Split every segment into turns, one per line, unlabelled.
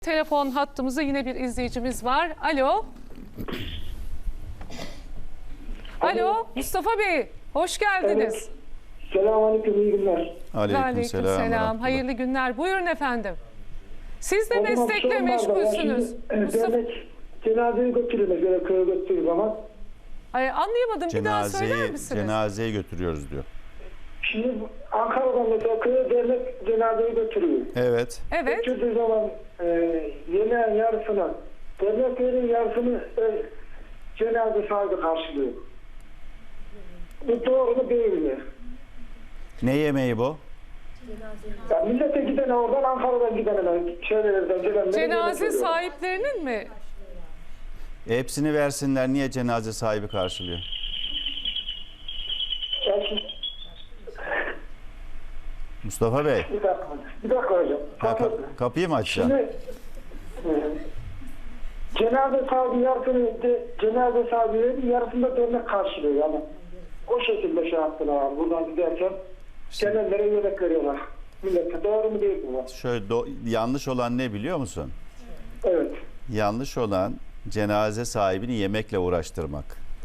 Telefon hattımızda yine bir izleyicimiz var. Alo. Alo Mustafa Bey, hoş geldiniz.
Evet. Selamünaleyküm, iyi günler.
Aleykümselam. Hayırlı günler. Buyurun efendim. Siz de meslekle meşgulsünüz.
Dernek cenazeyi götürüyoruz, böyle köye götürdüğü zaman.
Anlayamadım. Bir daha söyler misiniz?
Cenazeyi götürüyoruz diyor.
Şimdi Ankara'dan mesela köye dernek cenazeyi götürüyor.
Evet.
Evet.
Götürdüğü zaman yemeğin yarısını, derneklerin yarısını cenaze sahibi karşılıyor. Bu doğru mu değil mi?
Ne yemeği bu?
Ya millete gidene oradan, Ankara'dan gidene, şeylerden gelenlere...
Cenaze sahiplerinin mi?
Hepsini versinler. Niye cenaze sahibi karşılıyor? Mustafa Bey.
Bir dakika hocam.
Kapıyı mı açacağım?
Şimdi cenaze sahibi yarısını cenaze sahibi yarısında dernek karşılıyor yani. O şekilde şey yaptılar abi. Buradan giderken gelenlere yemek veriyorlar. Millete doğru mu değil mi?
Şöyle yanlış olan ne biliyor musun?
Evet.
Yanlış olan cenaze sahibini yemekle uğraştırmak.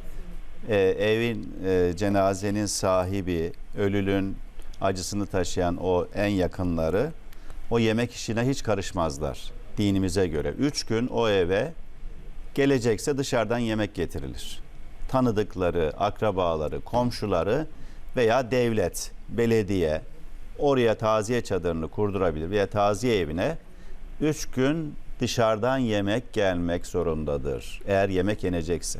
Evin cenazenin sahibi, ölünün acısını taşıyan o en yakınları o yemek işine hiç karışmazlar dinimize göre. 3 gün o eve gelecekse dışarıdan yemek getirilir. Tanıdıkları, akrabaları, komşuları veya devlet, belediye oraya taziye çadırını kurdurabilir veya taziye evine 3 gün dışarıdan yemek gelmek zorundadır. Eğer yemek yenecekse.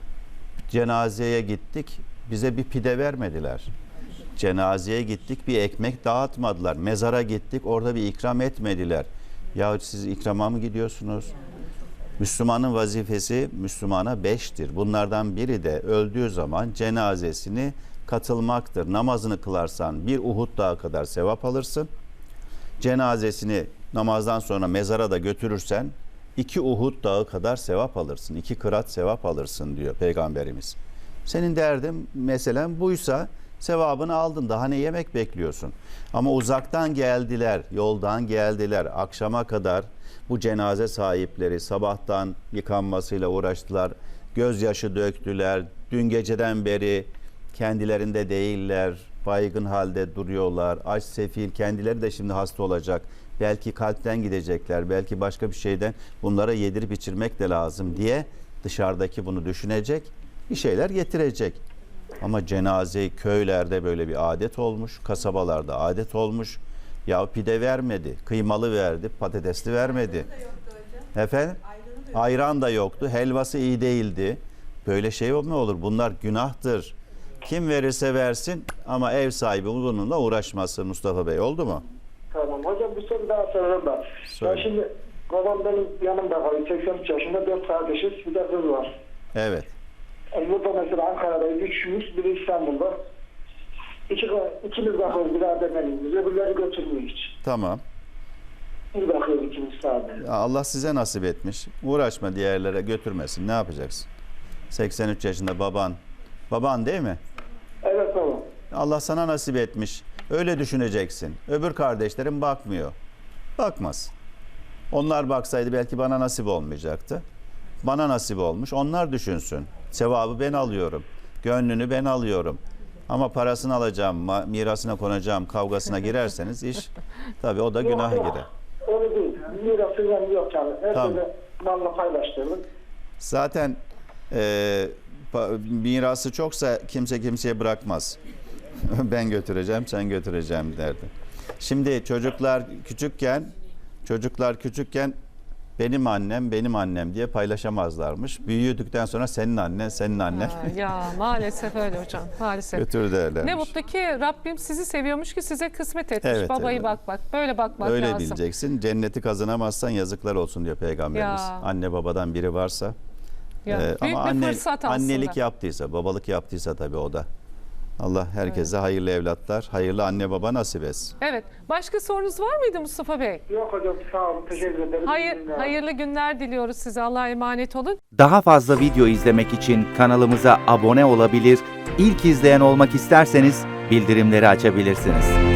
Cenazeye gittik, bize bir pide vermediler. Cenazeye gittik, bir ekmek dağıtmadılar. Mezara gittik, orada bir ikram etmediler. Ya siz ikrama mı gidiyorsunuz? Müslümanın vazifesi Müslümana 5'tir. Bunlardan biri de öldüğü zaman cenazesini katılmaktır. Namazını kılarsan bir Uhud dağı kadar sevap alırsın. Cenazesini namazdan sonra mezara da götürürsen 2 Uhud dağı kadar sevap alırsın. 2 kırat sevap alırsın diyor Peygamberimiz. Senin derdin mesela buysa sevabını aldın. Daha ne yemek bekliyorsun? Ama uzaktan geldiler, yoldan geldiler. Akşama kadar bu cenaze sahipleri sabahtan yıkanmasıyla uğraştılar. Gözyaşı döktüler. Dün geceden beri kendilerinde değiller. Baygın halde duruyorlar. Aç, sefil. Kendileri de şimdi hasta olacak. Belki kalpten gidecekler. Belki başka bir şeyden. Bunlara yedirip içirmek de lazım diye dışarıdaki bunu düşünecek. Bir şeyler getirecek. Ama cenaze köylerde böyle bir adet olmuş. Kasabalarda adet olmuş. Ya pide vermedi. Kıymalı verdi. Patatesli vermedi. Efendim? Ayran da yoktu. Helvası iyi değildi. Böyle şey mi olur? Bunlar günahtır. Kim verirse versin ama ev sahibi bununla uğraşmasın Mustafa Bey. Oldu mu?
Tamam. Hocam bir soru daha sorarım da. Ben şimdi babam benim yanımda kalıyor. 83 yaşında 4 kardeşiz. Bir de kız var.
Evet.
Burada mesela Ankara'da 3'müş, biri İstanbul'da. İkimiz bakıyoruz biraderlerimiz. Öbürleri götürmüyor hiç.
Tamam.
Bir bakıyoruz ikimiz sadece.
Allah size nasip etmiş. Uğraşma diğerlere götürmesin. Ne yapacaksın? 83 yaşında baban. Baban değil mi?
Evet baba.
Allah sana nasip etmiş. Öyle düşüneceksin. Öbür kardeşlerim bakmıyor. Bakmaz. Onlar baksaydı belki bana nasip olmayacaktı. Bana nasip olmuş. Onlar düşünsün. Sevabı ben alıyorum. Gönlünü ben alıyorum. Ama parasını alacağım, mirasına konacağım, kavgasına girerseniz iş tabii o da günaha girer.
Öyle değil. Mirası yok yani. Her
Tamam.
türlü malla paylaştırdım.
Zaten mirası çoksa kimse kimseye bırakmaz. Ben götüreceğim, sen götüreceğim derdi. Şimdi çocuklar küçükken benim annem diye paylaşamazlarmış. Büyüdükten sonra senin annen.
Ya maalesef öyle hocam. Maalesef.
Götür derlermiş.
Ne mutlu ki Rabbim sizi seviyormuş ki size kısmet etmiş.
Evet,
Babayı
evet.
bak böyle bakmak
Öyle
lazım.
bileceksin. Cenneti kazanamazsan yazıklar olsun diyor Peygamberimiz.
Ya.
Anne babadan biri varsa.
Ya, büyük
Ama
bir fırsat aslında.
annelik yaptıysa, babalık yaptıysa tabii o da. Allah herkese hayırlı evlatlar, hayırlı anne baba nasip etsin.
Evet. Başka sorunuz var mıydı Mustafa Bey?
Yok hocam sağ olun. Teşekkür ederim.
Hayırlı günler diliyoruz size. Allah'a emanet olun.
Daha fazla video izlemek için kanalımıza abone olabilir, ilk izleyen olmak isterseniz bildirimleri açabilirsiniz.